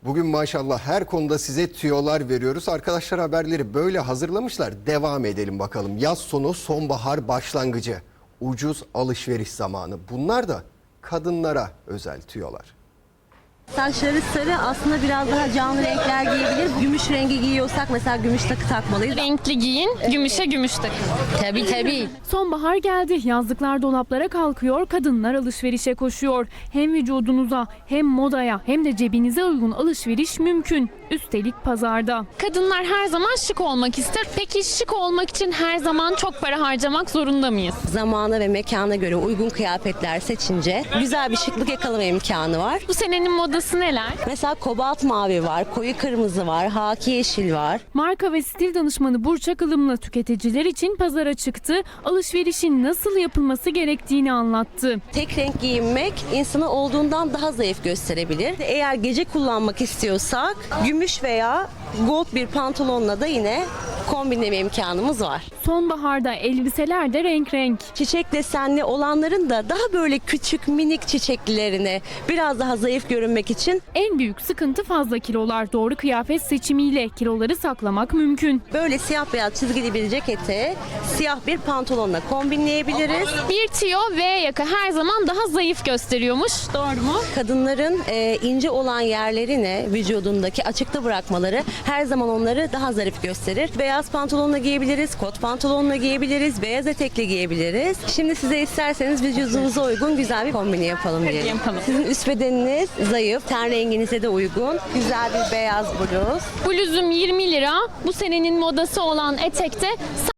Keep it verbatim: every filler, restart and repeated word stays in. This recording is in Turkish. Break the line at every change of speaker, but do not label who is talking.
Bugün maşallah her konuda size tüyolar veriyoruz. Arkadaşlar haberleri böyle hazırlamışlar. Devam edelim bakalım. Yaz sonu, sonbahar başlangıcı. Ucuz alışveriş zamanı. Bunlar da kadınlara özel tüyolar.
Saçları sarı, aslında biraz daha canlı renkler giyebilir. Gümüş rengi giyiyorsak mesela gümüş takı takmalıyız.
Renkli giyin, gümüşe gümüş takın.
Tabii tabii.
Sonbahar geldi. Yazlıklar dolaplara kalkıyor, kadınlar alışverişe koşuyor. Hem vücudunuza, hem modaya, hem de cebinize uygun alışveriş mümkün. Üstelik pazarda.
Kadınlar her zaman şık olmak ister. Peki şık olmak için her zaman çok para harcamak zorunda mıyız?
Zamana ve mekana göre uygun kıyafetler seçince güzel bir şıklık yakalama imkanı var.
Bu senenin modası neler?
Mesela kobalt mavi var, koyu kırmızı var, haki yeşil var.
Marka ve stil danışmanı Burçak Ilımlı tüketiciler için pazara çıktı. Alışverişin nasıl yapılması gerektiğini anlattı.
Tek renk giyinmek insanı olduğundan daha zayıf gösterebilir. Eğer gece kullanmak istiyorsak gümüş veya gold bir pantolonla da yine kombinleme imkanımız var.
Sonbaharda elbiseler de renk renk.
Çiçek desenli olanların da daha böyle küçük minik çiçeklilerine biraz daha zayıf görünmek için
En büyük sıkıntı fazla kilolar. Doğru kıyafet seçimiyle kiloları saklamak mümkün.
böyle siyah beyaz çizgili bir ceketi siyah bir pantolonla kombinleyebiliriz.
Bir tüyo V yaka her zaman daha zayıf gösteriyormuş. Doğru mu?
Kadınların e, ince olan yerlerini vücudundaki açıkta bırakmaları her zaman onları daha zarif gösterir. Beyaz pantolonla giyebiliriz, kot pantolonla giyebiliriz, beyaz etekle giyebiliriz. Şimdi size isterseniz vücudunuza uygun güzel bir kombini yapalım diyelim.
yapalım.
Sizin üst bedeniniz zayıf, ten renginize de uygun. Güzel bir beyaz bluz.
Bluzum yirmi lira. Bu senenin modası olan etekte